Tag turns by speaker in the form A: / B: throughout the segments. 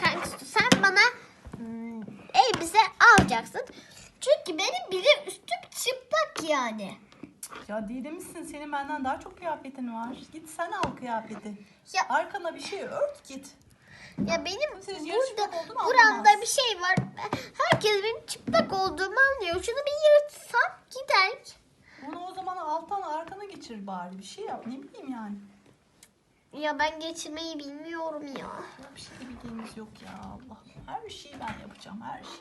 A: sen bana elbise alacaksın. Çünkü benim bile üstüm çıplak yani.
B: Ya Didem'sin, senin benden daha çok kıyafetin var. Git sen al kıyafeti.
A: Ya,
B: Arkana bir şey ört git.
A: ya benim
B: Siz yarışmak
A: burada
B: olduğunu
A: buramda
B: anlamaz.
A: bir şey var. Herkes benim çıplak olduğumu anlıyor. Şunu bir yırtsam gider.
B: Bunu o zaman alttan arkana geçir bari. Bir şey yap, ne bileyim yani.
A: Ya ben geçirmeyi bilmiyorum ya.
B: Ya bir şey bildiğimiz yok ya Allah. Her şeyi ben yapacağım, her şey.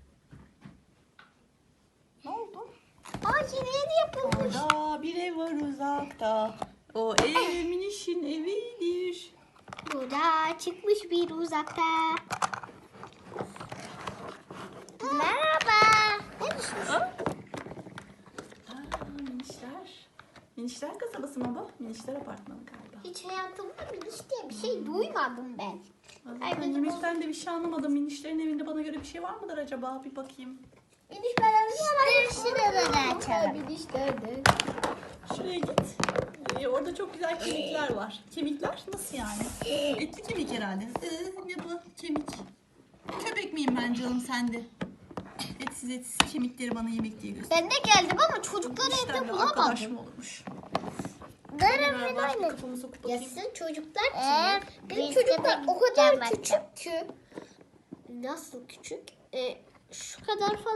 B: Ne oldu?
A: Aa, yeni yapılmış.
B: Orada bir ev var uzakta. O ev minişin evidir.
A: Burada çıkmış bir uzakta. Merhaba. Ne düşünüyorsun?
B: Minişler. Minişler kasabası mı bu? Minişler apartmanı galiba.
A: Hiç hayatımda Miniş diye bir şey duymadım ben.
B: Ben Miniş'ten de bir şey anlamadım. Minişlerin evinde bana göre bir şey var mıdır acaba? Bir bakayım.
A: Miniş ben şuraları açalım. Miniş nerede?
B: Şuraya git. Orada çok güzel kemikler var. Kemikler nasıl yani? Etli kemik herhalde. Ne bu? Kemik. Köpek miyim ben canım sende? Etsiz kemikleri bana yemek diye göster.
A: Ben de geldim ama çocuklar evde
B: Arkadaş
A: bulamadım.
B: mı olmuş?
A: Nerede
B: Beraber
A: öyle?
B: kafamı sokup bakayım.
A: Yasın çocuklar kim? Benim çocuklar o kadar küçük ki. Nasıl küçük? Şu kadar falan.